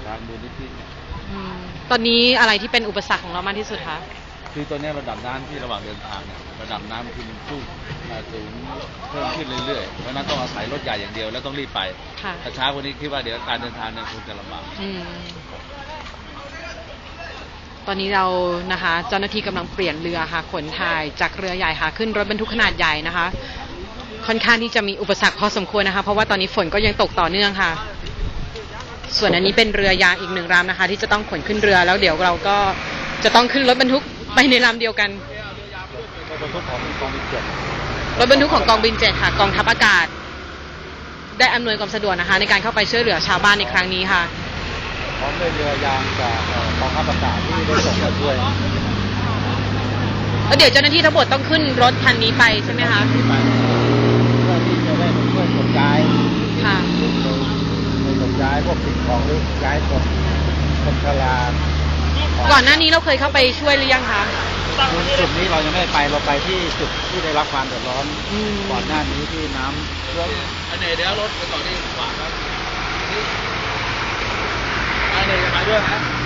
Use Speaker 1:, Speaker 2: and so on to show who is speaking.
Speaker 1: ทางมูลนิธิเนี่ย
Speaker 2: ตอนนี้อะไรที่เป็นอุปสรรคของเรามากที่สุดคะ
Speaker 1: คือตอนนี้ระดับน้ำที่ระหว่างเดินทางเนี่ยระดับน้ำคือมันสูงเพิ่มขึ้นเรื่อยๆเพราะนั้นต้องอาศัยรถใหญ่อย่างเดียวแล้วต้องรีบไปถ้าช้ากว่านี้คิดว่าเดี๋ยวการเดินทางเนี่ยคงจะลำบาก
Speaker 2: ตอนนี้เรานะคะเจ้าหน้าที่กำลังเปลี่ยนเรือค่ะขนถ่ายจากเรือใหญ่ค่ะขึ้นรถบรรทุกขนาดใหญ่นะคะค่อนข้างที่จะมีอุปสรรคพอสมควรนะคะเพราะว่าตอนนี้ฝนก็ยังตกต่อเนื่องค่ะส่วนอันนี้เป็นเรือยางอีก1 ลำนะคะที่จะต้องขนขึ้นเรือแล้วเดี๋ยวเราก็จะต้องขึ้นรถบรรทุกไปในลำเดียวกัน
Speaker 1: รถบรรทุกของกองบิน7
Speaker 2: รถบรรทุกของกองบิน7ค่ะกองทัพอากาศได้อำนวยความสะดวกนะคะในการเข้าไปช่วยเหลือชาวบ้านในครั้งนี้ค่ะ
Speaker 1: พร้อมด้วยเรือยางจากกองทัพอากาศที่ได้ส่งมาช่วย
Speaker 2: แล้วเดี๋ยวเจ้าหน้าที่ทั้งหมดต้องขึ้นรถคันนี้ไปใช่ไหมคะ
Speaker 1: เพื่อที่จะได้มาช่วยขนย้าย
Speaker 2: ค่ะ
Speaker 1: ขนย้ายพวกสิ่งของหรือย้ายคนชรา
Speaker 2: ก่อนหน้านี้เราเคยเข้าไปช่วยหรือยังคะ
Speaker 1: จุดนี้เรายังไม่ไปเราไปที่จุดที่ได้รับความเดือดร้อนก่อนหน้านี้ที่น้ำท่วมอันไหนเดี๋ยวรถไปต่อที่ขวาครับอันไหนจะมาด้วยไหม